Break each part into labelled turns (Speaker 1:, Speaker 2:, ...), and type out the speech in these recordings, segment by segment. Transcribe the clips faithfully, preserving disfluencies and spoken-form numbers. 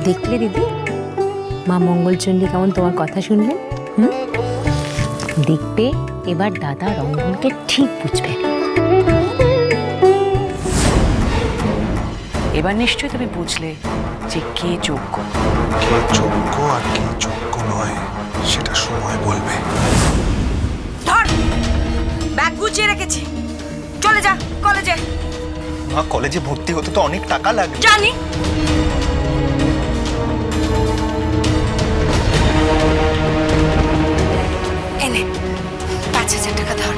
Speaker 1: দেখলে দিদি মা মঙ্গলচণ্ডী কেমন তোমার কথা শুনলেন? হুম, দেখবে এবার দাদা রঙ্গনকে ঠিক বুঝবে।
Speaker 2: এবার নিশ্চয়ই তুমি বুঝলে যে কে যোগ্য।
Speaker 3: কে যোগ্য আর কে যোগ্য নয় সেটা সময় বলবে।
Speaker 4: ধর, ব্যাগ গুছিয়ে রেখেছি, চলে যা কলেজে।
Speaker 3: মা, কলেজে ভর্তি হতে তো অনেক টাকা লাগবে।
Speaker 4: জানি, এনে পাঁচ হাজার টাকা ধর।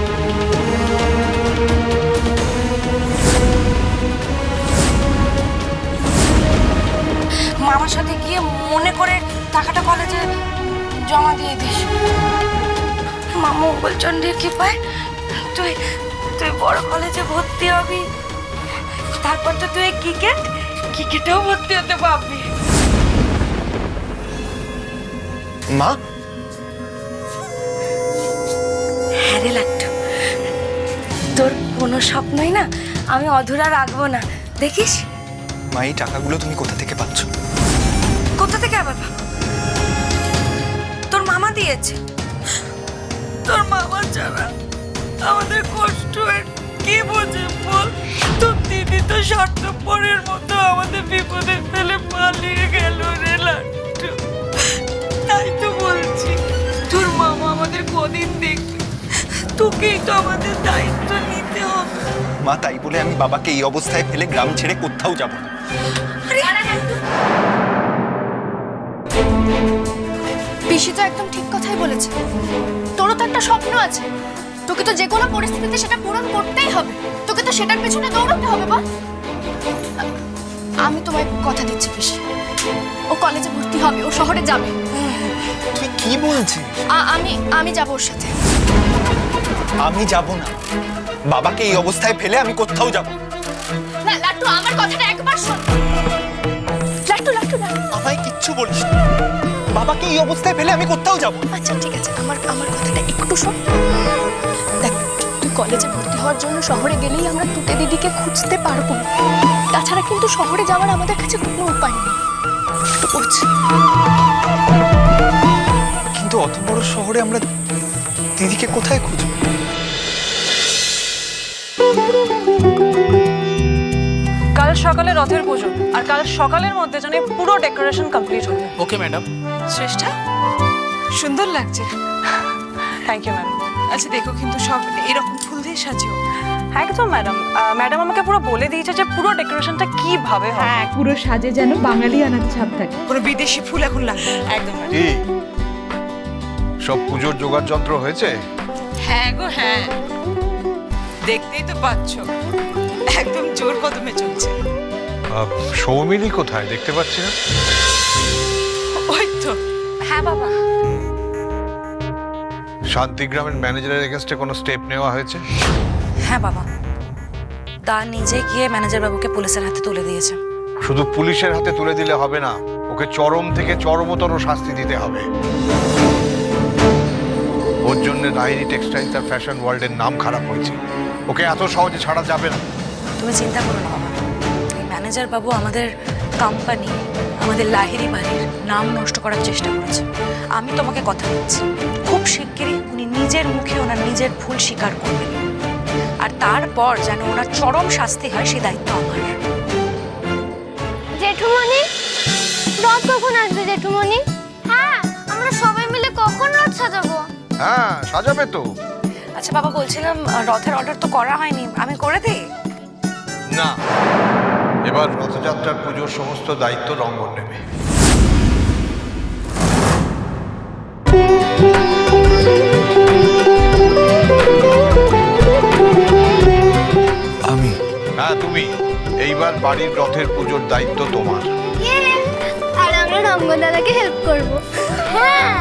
Speaker 4: মামার সাথে গিয়ে মনে করে টাকাটা কলেজে জমা দিয়ে দিস। মা মঙ্গলচণ্ডীর কৃপায় তুই তুই বড় কলেজে ভর্তি হবি, তারপর তো তুই ক্রিকেট ক্রিকেটেও ভর্তি হতে পারবি।
Speaker 3: মা,
Speaker 4: হ্যাঁ রে লাট্টু, তোর কোনো স্বপ্নই না আমি অধুরা রাখবো না, দেখিস।
Speaker 3: মা, এই টাকাগুলো তুমি কোথা থেকে পাচ্ছ?
Speaker 4: কোথা থেকে আবার পাবো? তোর মামা দিয়েছে। তোর মামা ছাড়া আমাদের কষ্ট কে বোঝে বল? তোর দিদি তো স্বার্থপরের মতো আমাদের বিপদে ফেলে পালিয়ে গেল রে লাট্টু। তাই তো বলছি, তোর মামা আমাদের কদিন দেখবে, তোকেই তো আমাদের দায়িত্ব নিতে হবে।
Speaker 3: মা, তাই বলে আমি বাবাকে এই অবস্থায় ফেলে গ্রাম ছেড়ে কোথাও যাব না।
Speaker 5: পিসি তো একদম ঠিক কথাই বলেছে। তোরও তো একটা স্বপ্ন আছে, তোকে তো যে কোনো পরিস্থিতিতে সেটা পূরণ করতেই হবে। তোকে তো সেটার পেছনে দৌড়াতে হবে। বল, আমি তোমায় কথা দিচ্ছি পিসি, ও কলেজে ভর্তি হবে, ও শহরে যাবে।
Speaker 3: তুই কি বলছিস?
Speaker 5: আ- আমি আমি যাবো ওর সাথে।
Speaker 3: আমি যাব না, বাবাকে এই অবস্থায় ফেলে আমি কোথাও যাব
Speaker 5: না লাট্টু, আমার কথাটা একবার শোন। লাট্টু লাট্টু লাট্টু
Speaker 3: আমায় কিচ্ছু বলিস না। বাবাকে এই অবস্থায় ফেলে আমি কোথাও যাব।
Speaker 5: আচ্ছা ঠিক আছে, আমার আমার কথাটা একটু শোন। দেখ, তুই কলেজে ভর্তি হওয়ার জন্য শহরে গেলেই আমরা তুতে দিদিকে খুঁজতে পারবো। তাছাড়া কিন্তু শহরে যাওয়ার আমাদের কাছে কোনো উপায় নেই। একটু বোঝ।
Speaker 3: কিন্তু অত বড় শহরে আমরা দিদিকে কোথায় খুঁজবো?
Speaker 2: কাল সকালে রথের পুজো, আর কাল সকালের মধ্যে যেন এই পুরো ডেকোরেশন কমপ্লিট হবে।
Speaker 6: Okay madam.
Speaker 4: শ্রেষ্ঠা, সুন্দর লাগছে।
Speaker 2: Thank you ma'am.
Speaker 4: আচ্ছা দেখো, কিন্তু সব এরকম ফুল দিয়ে সাজিও।
Speaker 2: একদম ম্যাডাম, ম্যাডাম আমাকে পুরো বলে দিয়েছে যে পুরো ডেকোরেশনটা কিভাবে হবে।
Speaker 7: হ্যাঁ, পুরো সাজে যেন বাঙালি আনার ছাপ থাকে।
Speaker 4: কোনো বিদেশি ফুল এখন লাগবে না।
Speaker 2: একদম ম্যাডাম।
Speaker 8: কি সব পুজোর জোগাড় যন্ত্র হয়েছে?
Speaker 4: হ্যাঁ গো হ্যাঁ, দেখতেই তো পাচ্ছ একদম জোর কদমে চলছে।
Speaker 8: আহ, সৌমিলি কোথায় দেখতে পাচ্ছি না।
Speaker 4: ওই তো।
Speaker 2: হ্যাঁ বাবা।
Speaker 8: শান্তিগ্রামের ম্যানেজারের এগেনস্টে কোনো স্টেপ নেওয়া হয়েছে?
Speaker 4: হ্যাঁ বাবা, তা নিজে গিয়ে ম্যানেজার বাবুকে পুলিশের হাতে তুলে দিয়েছে।
Speaker 8: শুধু পুলিশের হাতে তুলে দিলে হবে না, ওকে চরম থেকে চরমতর শাস্তি দিতে হবে। ওর জন্য লাহিড়ী টেক্সটাইলস আর ফ্যাশন ওয়ার্ল্ডের নাম খারাপ হয়েছে, ওকে এত সহজে ছাড়া যাবে না।
Speaker 4: তুমি চিন্তা করো না বাবা, এই ম্যানেজার বাবু আমাদের কোম্পানি, আমাদের লাহিড়ী বাড়ির নাম নষ্ট করার চেষ্টা করেছে। আমি তোমাকে কথা দিচ্ছি, খুব শিগগিরই উনি নিজের মুখে ওনার নিজের ভুল স্বীকার করবেন, আর তারপর যেন ওনার চরম শাস্তি হয় সে দায়িত্ব আমার।
Speaker 9: জেঠুমণি, রথ কখন আসবে জেঠুমণি? হ্যাঁ, আমরা সবাই মিলে কখন রথ সাজাবো?
Speaker 8: হ্যাঁ, সাজাবে তো।
Speaker 4: আচ্ছা বাবা, বলছিলাম রথের অর্ডার তো করা হয়নি, আমি করে দিই?
Speaker 8: না, এবার রথযাত্রার পুজোর সমস্ত দায়িত্ব রঙ্গন নেবে।
Speaker 3: আমি?
Speaker 8: হ্যাঁ তুমি। এইবার বাড়ির রথের পুজোর দায়িত্ব তোমার।
Speaker 9: আর আমরা রঙ্গন দাদাকে হেল্প করবো। হ্যাঁ।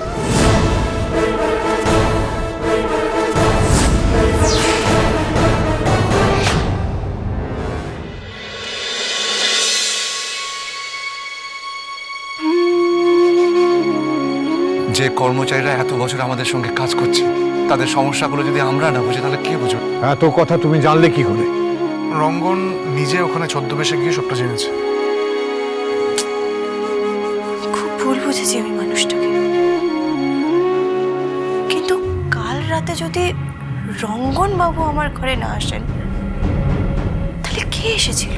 Speaker 10: যে কর্মচারীরা এত বছর আমাদের সঙ্গে কাজ করছে, তাদের সমস্যাগুলো যদি আমরা না বুঝি তাহলে কে বুঝবে?
Speaker 8: এত কথা তুমি জানলে কি করে?
Speaker 3: রঙ্গন নিজে ওখানে ছদ্মবেশে গিয়ে সবটা জেনেছে।
Speaker 4: ভুল বুঝেছি আমি মানুষটাকে। কিন্তু কাল রাতে যদি রঙ্গন বাবু আমার ঘরে না আসেন, তাহলে কে এসেছিল?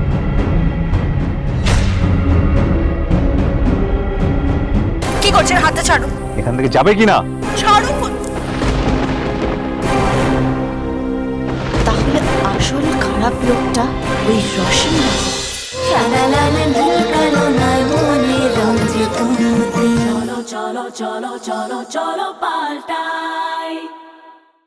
Speaker 4: কি করছেন? হাতটা ছাড়ো।
Speaker 10: এখান থেকে যাবে কি না?
Speaker 4: ছাড়ো। তাহলে আসল খারাপ লোকটা ওই রসিন।
Speaker 6: চলো চলো চলো চলো চলো পাল্টাই।